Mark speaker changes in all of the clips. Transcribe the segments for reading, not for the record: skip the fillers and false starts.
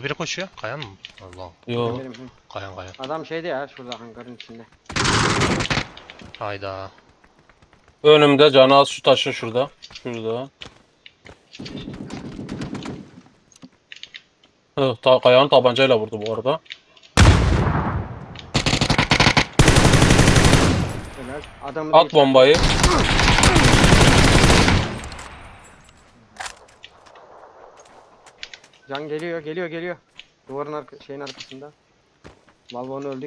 Speaker 1: Şurada biri koşuyor. Kayan mı? Allah.
Speaker 2: Yo.
Speaker 3: Benim.
Speaker 1: Kayan kayan.
Speaker 3: Adam şeyde ya şurada hangarın içinde.
Speaker 1: Hayda.
Speaker 2: Önümde canı az şu taşın şurada. Şurada. Kayağını tabancayla vurdu bu arada.
Speaker 3: Helal. Adamı da
Speaker 2: At bombayı.
Speaker 3: Can geliyor. Duvarın şeyin arkasında. Valvo'nun öldü ya.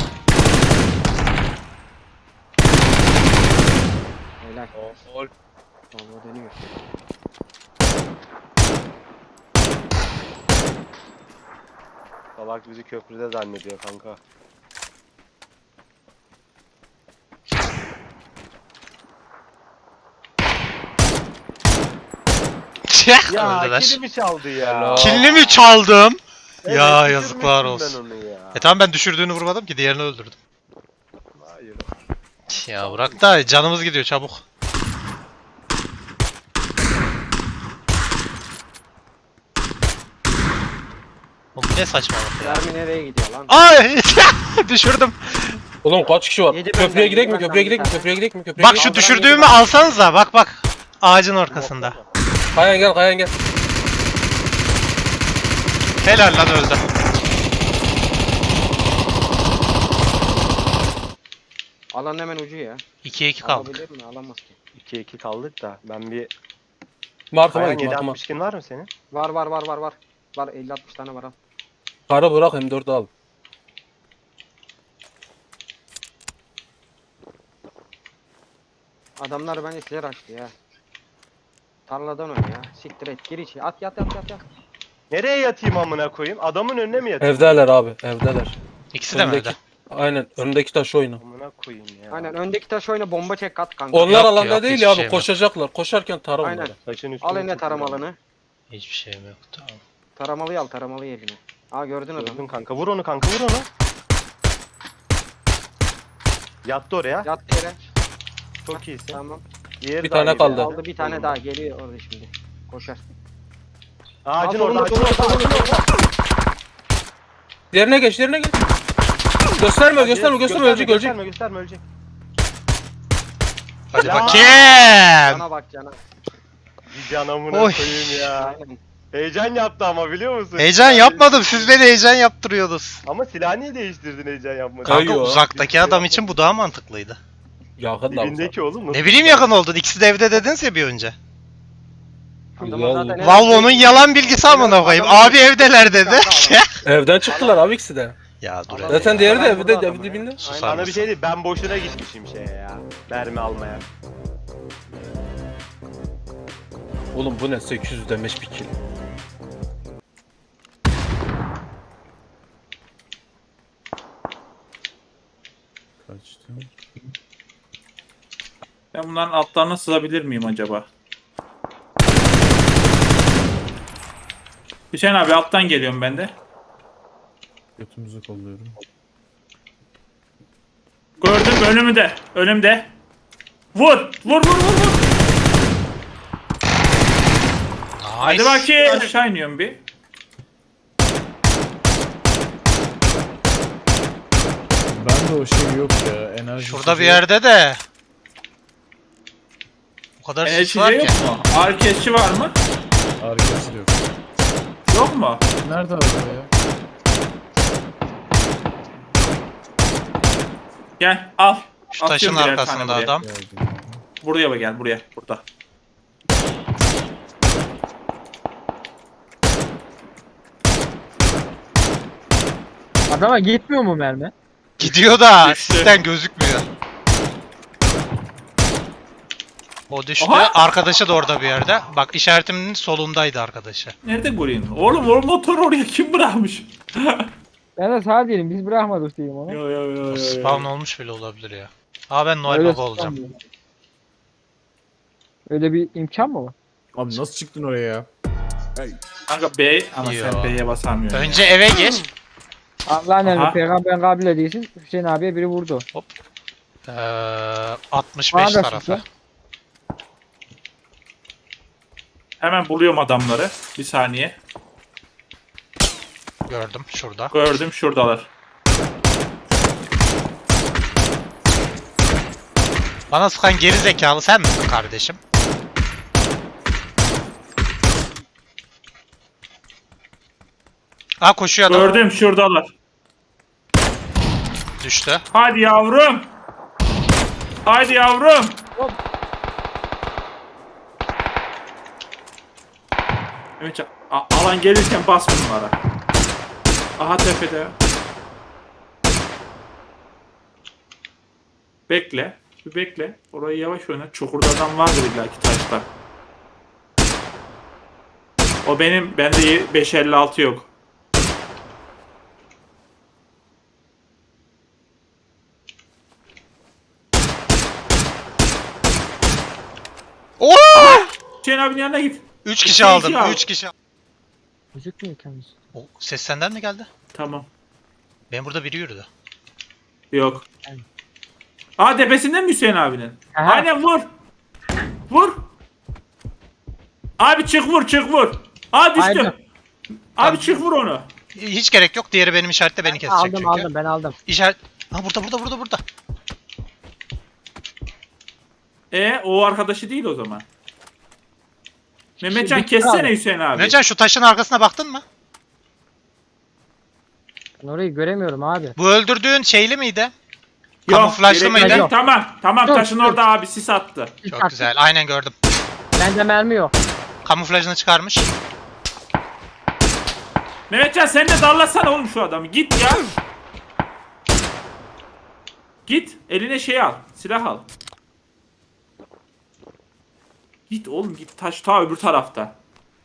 Speaker 3: Helal.
Speaker 2: Gol.
Speaker 3: Valvo dönüyor.
Speaker 4: Salak bizi köprüde zannediyor kanka. Ya
Speaker 1: Öldüler.
Speaker 4: kilimi çaldı ya.
Speaker 2: Helal.
Speaker 1: Kilini mi çaldım?
Speaker 4: Evet,
Speaker 1: Ya
Speaker 4: düşürmüştüm
Speaker 1: yazıklar
Speaker 4: ben
Speaker 1: olsun.
Speaker 4: onu ya.
Speaker 1: Tamam ben düşürdüğünü vurmadım ki diğerini öldürdüm.
Speaker 4: Hayır.
Speaker 1: Ya bırak da canımız gidiyor çabuk. Oğlum ne saçmalık ya.
Speaker 3: Mermi nereye gidiyor lan?
Speaker 1: Ay düşürdüm.
Speaker 2: Oğlum kaç kişi var?
Speaker 3: Yedi
Speaker 2: Köprüye
Speaker 3: benden,
Speaker 2: gidelim mi?
Speaker 3: yedi
Speaker 2: Köprüye
Speaker 3: benden
Speaker 2: gidelim mi?
Speaker 3: bir tane.
Speaker 2: Köprüye gidelim mi? Köprüye
Speaker 1: Bak
Speaker 2: gidelim
Speaker 1: şu
Speaker 2: mi?
Speaker 1: düşürdüğümü alsanıza bak. Ağacın arkasında.
Speaker 2: Kayan gel, Kayan gel.
Speaker 1: Helal lan öldü.
Speaker 3: Alan hemen ucu ya.
Speaker 1: 2'ye 2 kaldık.
Speaker 3: Alabilir mi? Alamaz ki.
Speaker 4: 2-2 kaldık da ben bir...
Speaker 2: Markama
Speaker 4: Kayan
Speaker 2: git, markama.
Speaker 4: 7.62'in var mı senin?
Speaker 3: Var. Var 50-60 tane var al.
Speaker 2: Kara bırak M4 al.
Speaker 3: Adamlar bence size açtı ya. Tarladan oyna ya. Siktir et. Gir içi. At yat.
Speaker 4: Nereye yatayım amına koyayım? Adamın önüne mi yatayım?
Speaker 2: Evdeler abi, evdeler.
Speaker 1: İkisi de mi
Speaker 2: Öndeki-
Speaker 1: öldü?
Speaker 2: Aynen, önündeki taş oyna.
Speaker 4: Amına koyayım ya.
Speaker 3: Aynen öndeki taş oyna bomba çek at kanka.
Speaker 2: Onlar
Speaker 1: Yok,
Speaker 2: alanda
Speaker 1: yok,
Speaker 2: değil
Speaker 1: hiçbir
Speaker 2: ya abi,
Speaker 1: şeyim yok.
Speaker 2: koşacaklar. Koşarken tara
Speaker 3: Aynen.
Speaker 2: onları.
Speaker 4: Taşın üstüne
Speaker 3: Al eline
Speaker 4: çıktı.
Speaker 3: taramalanı.
Speaker 1: Hiçbir şeyim yok. Tamam.
Speaker 3: Taramalıyı al taramalıyı eline. Aa gördün
Speaker 4: Gördün
Speaker 3: adamı.
Speaker 4: kanka. Vur onu kanka, vur onu. Yattı oraya.
Speaker 3: Yattı yere.
Speaker 4: Çok iyisin.
Speaker 3: Tamam.
Speaker 4: Diğeri
Speaker 2: Bir
Speaker 4: daha
Speaker 2: tane
Speaker 4: iyi
Speaker 2: kaldı.
Speaker 4: ya.
Speaker 3: Aldı bir tane daha geliyor orada şimdi. Koşar.
Speaker 4: Ağacın
Speaker 3: Al,
Speaker 4: orada,
Speaker 3: solunda,
Speaker 4: ağacın orada,
Speaker 3: solunda,
Speaker 4: ağacın orada.
Speaker 2: Yerine geç, yerine geç. Gösterme, gösterme, ölecek, ölecek.
Speaker 4: Gösterme, ölecek.
Speaker 1: Hadi
Speaker 4: Ya.
Speaker 1: bakayım.
Speaker 3: Cana bak cana.
Speaker 4: Bir can amına
Speaker 1: Oy.
Speaker 4: koyayım ya.
Speaker 3: Aynen.
Speaker 4: Heyecan yaptı ama biliyor musun?
Speaker 1: Heyecan yapmadım. Siz beni heyecan yaptırıyordunuz.
Speaker 4: Ama silahı niye değiştirdin heyecan yapmadın?
Speaker 2: Kayıyor.
Speaker 1: Kanka uzaktaki adam için bu daha mantıklıydı.
Speaker 2: Yakın da
Speaker 4: Dibindeki oğlum nasıl?
Speaker 1: Ne bileyim yakın oldun. İkisi de evde dediniz ya bir önce.
Speaker 3: Adamın zaten en-
Speaker 1: Valvo'nun yalan bilgisi amına koyayım. Abi evdeler dedi.
Speaker 2: Evden çıktılar abi ikisi de.
Speaker 1: Ya dur
Speaker 3: Adam-
Speaker 1: hele
Speaker 2: Zaten
Speaker 1: ya.
Speaker 2: diğeri de
Speaker 3: Adam
Speaker 2: evde,
Speaker 3: burada
Speaker 2: ev
Speaker 3: adam
Speaker 2: dibinde.
Speaker 3: ya.
Speaker 1: Susar
Speaker 4: Sana bir
Speaker 1: mısın?
Speaker 4: şey değil, ben boşuna gitmişim şeye ya. Mermi almaya.
Speaker 2: Oğlum bu ne? 800 demiş bir kill. Kaçtı?
Speaker 5: Ben bunların altlarına sığabilir miyim acaba? Hüseyin abi alttan geliyorum ben de.
Speaker 2: Götümüzü kolluyorum.
Speaker 5: Gördüm önümde. Önümde. Vur. Hadi
Speaker 1: Nice.
Speaker 5: bakayım. Aşağı iniyorum bir.
Speaker 6: Ben de o şey yok ya. Enerji
Speaker 1: Şurada bir yerde de. O kadar sis
Speaker 5: Enerji
Speaker 1: var
Speaker 5: yok
Speaker 1: ki.
Speaker 5: mu? Ağrı kesici var mı?
Speaker 6: Arkası yok.
Speaker 5: Yok mu?
Speaker 6: Nerede araba ya?
Speaker 5: Gel al.
Speaker 1: Şu taşın
Speaker 5: Atıyorum birer
Speaker 1: arkasında
Speaker 5: tane buraya.
Speaker 1: adam.
Speaker 6: Geldim.
Speaker 5: Buraya bak gel buraya. Burada.
Speaker 7: Adama gitmiyor mu mermi?
Speaker 1: Gidiyor da
Speaker 5: Düştü.
Speaker 1: sisten gözükmüyor. O düştü.
Speaker 5: Aha!
Speaker 1: Arkadaşı da orada bir yerde. Bak işaretimin solundaydı arkadaşı.
Speaker 5: Nerede göreyim? Oğlum o motoru oraya kim bırakmış?
Speaker 7: Ben de sağ değilim. Biz bırakmadık diyeyim ona.
Speaker 5: Yo.
Speaker 1: Spawn olmuş bile olabilir ya. Aa ben Noel
Speaker 7: Öyle
Speaker 1: Baba olacağım.
Speaker 7: sanmıyorum. Öyle bir imkan mı var?
Speaker 6: Abi nasıl çıktın oraya ya?
Speaker 5: Kanka B ama
Speaker 1: Yo.
Speaker 5: sen B'ye basamıyorsun.
Speaker 1: Önce eve gir.
Speaker 7: Allah'ın
Speaker 5: Aha.
Speaker 7: emri peygamberin kabile değilsin. Hüseyin abiye biri vurdu.
Speaker 1: 65
Speaker 7: Bana da
Speaker 1: tarafı.
Speaker 7: çıktı.
Speaker 5: Hemen buluyorum adamları. Bir saniye.
Speaker 1: Gördüm şurada.
Speaker 5: Gördüm şuradalar.
Speaker 1: Bana sıkan geri zekalı sen misin kardeşim? Aa koşuyor adam.
Speaker 5: Gördüm şuradalar.
Speaker 1: Düştü.
Speaker 5: Hadi yavrum. Hadi yavrum. Mehmetcan alan gelirken bas bunlara. Aha tepede. Bekle. Bir bekle. Orayı yavaş oyna. Çukurda adam vardır illaki taşta. O benim. Bende 5.56 yok.
Speaker 1: Oo!
Speaker 5: Hüseyin abinin yanına git.
Speaker 1: 3 kişi
Speaker 5: İki
Speaker 1: aldım.
Speaker 5: al.
Speaker 1: 3 kişi.
Speaker 7: Gözükmüyor kendisi.
Speaker 1: O ses senden mi geldi?
Speaker 5: Tamam.
Speaker 1: Ben burada biri yürüdü.
Speaker 5: Yok. Aa tepesinden mi Hüseyin abinin?
Speaker 7: Aha.
Speaker 5: Aynen vur. Vur. Abi çık vur çık vur. Aa düştü.
Speaker 7: Aynen.
Speaker 5: Abi çık vur onu.
Speaker 1: Hiç gerek yok. Diğeri benim işarette beni kesecek
Speaker 7: Aldım
Speaker 1: çünkü.
Speaker 7: aldım ben aldım.
Speaker 1: İşaret... Ha burada.
Speaker 5: O arkadaşı değil o zaman. Mehmetcan
Speaker 7: Bitti
Speaker 5: kessene
Speaker 7: abi.
Speaker 5: Hüseyin abi.
Speaker 1: Mehmetcan şu taşın arkasına baktın mı?
Speaker 7: Ben orayı göremiyorum abi.
Speaker 1: Bu öldürdüğün şeyli miydi?
Speaker 5: Yok,
Speaker 1: Kamuflajlı
Speaker 5: gerek
Speaker 1: mıydı?
Speaker 5: yok.
Speaker 7: Yok.
Speaker 5: Tamam
Speaker 7: Dur,
Speaker 5: taşın
Speaker 7: dur.
Speaker 5: orada abi sis attı.
Speaker 1: Çok güzel. Aynen gördüm.
Speaker 7: Bende mermi yok.
Speaker 1: Kamuflajını çıkarmış.
Speaker 5: Mehmetcan sen de darlasana oğlum şu adamı. Git ya. Git eline şey al. Silah al. Git oğlum git taş ta öbür tarafta.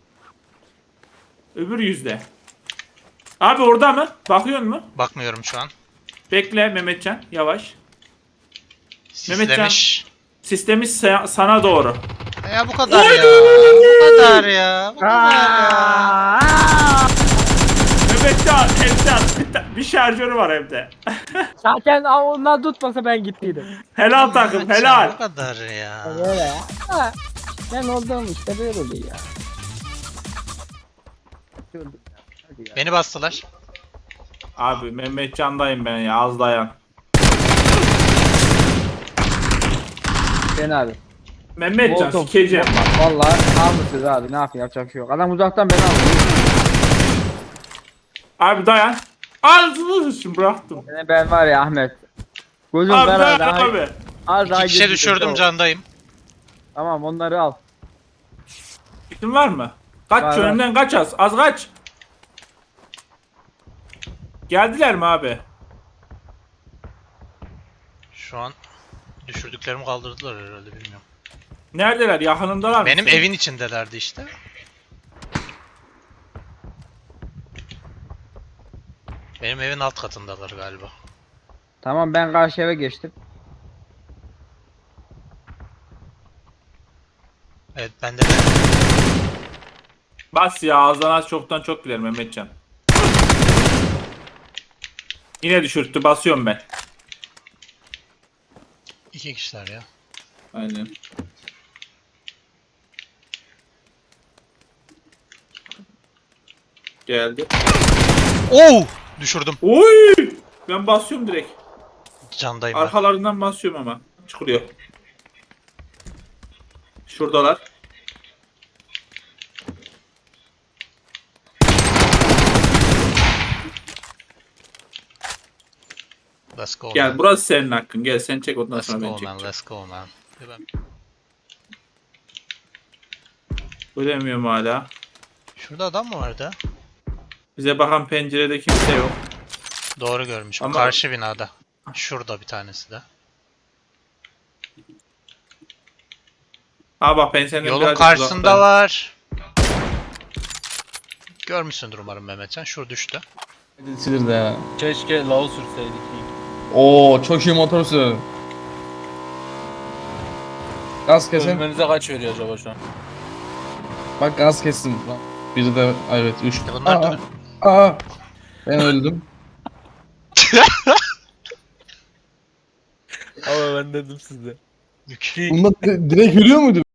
Speaker 5: Öbür yüzde. Abi orada mı? Bakıyor mu?
Speaker 1: Bakmıyorum şu an.
Speaker 5: Bekle Mehmetcan yavaş.
Speaker 1: Sislemiş.
Speaker 5: Sistemimiz sana doğru.
Speaker 1: Ya bu kadar ya. Bu kadar ya. Bu kadar ya.
Speaker 5: Mehmetcan bir şarjörü var evde.
Speaker 7: Zaten onlar tutmasa ben gittiydim.
Speaker 5: Helal takım
Speaker 1: Mehmetcan,
Speaker 5: helal.
Speaker 1: Bu kadar ya.
Speaker 7: Böyle ya. Ha, ben olduğum işte böyle oluyor ya.
Speaker 1: Beni bastılar.
Speaker 5: Abi Mehmetcan'dayım ben ya az dayan.
Speaker 7: Ben abi.
Speaker 5: Mehmetcan
Speaker 7: Molotov.
Speaker 5: sikeceğim bak.
Speaker 7: Vallahi almışız abi ne yapayım yapacak bir şey yok. Adam uzaktan beni aldı.
Speaker 5: Abi dayan. Ağzını şimdi bıraktım.
Speaker 7: Ben var ya Ahmet. Gözüm
Speaker 5: Abi
Speaker 7: karardı.
Speaker 5: dayan abi.
Speaker 7: Az daha
Speaker 1: İki kişi
Speaker 7: gitti.
Speaker 1: düşürdüm
Speaker 7: Tamam.
Speaker 1: candayım.
Speaker 7: Tamam onları al.
Speaker 5: Fikrin var mı? Kaç
Speaker 7: Var, var.
Speaker 5: önümden kaç az kaç. Geldiler mi abi?
Speaker 1: Şu an düşürdüklerimi kaldırdılar herhalde bilmiyorum.
Speaker 5: Neredeler? Yakınındalar mı?
Speaker 1: Benim
Speaker 5: senin?
Speaker 1: evin içindelerdi işte. Benim evin alt katındalar galiba.
Speaker 7: Tamam ben karşı eve geçtim.
Speaker 1: Evet ben de
Speaker 5: Bas ya azdan az çoktan çok bilir Mehmetcan. Yine düşürttü basıyorum ben.
Speaker 1: iki kişiler ya.
Speaker 5: Aynen. Geldi.
Speaker 1: Oo! Düşürdüm.
Speaker 5: Oy! Ben basıyorum direkt.
Speaker 1: Candayım ben.
Speaker 5: Arkalarından basıyorum ama. Çıkılıyor. Şuradalar.
Speaker 1: Let's go
Speaker 5: Gel
Speaker 1: man.
Speaker 5: burası senin hakkın. Gel sen çek ondan
Speaker 1: Let's
Speaker 5: sonra ben
Speaker 1: go man.
Speaker 5: çekeceğim.
Speaker 1: Let's go man. Ben-
Speaker 5: Ölemiyorum hala.
Speaker 1: Şurada adam mı vardı?
Speaker 5: Bize bakan pencerede kimse yok.
Speaker 1: Doğru görmüş. Bu
Speaker 5: Ama-
Speaker 1: karşı binada. Şurada bir tanesi de.
Speaker 5: Ha bak ben senden
Speaker 1: Yolun
Speaker 5: birazcık
Speaker 1: karşısında
Speaker 5: uzaktayım.
Speaker 1: var. Görmüşsündür umarım Mehmetcan. Şur düştü.
Speaker 6: Silir de ya.
Speaker 2: Keşke Lao sürseydik.
Speaker 6: Oo çok iyi motor sür. Gaz kesin.
Speaker 2: Ölmenize kaç veriyor acaba şu an?
Speaker 6: Bak gaz kestim. Lan. Biri de evet 3.
Speaker 1: Bunlar da-
Speaker 6: Ben öldüm.
Speaker 2: Ama ben dedim size.
Speaker 1: Mük.
Speaker 6: Bunda direkt yürüyor muydu?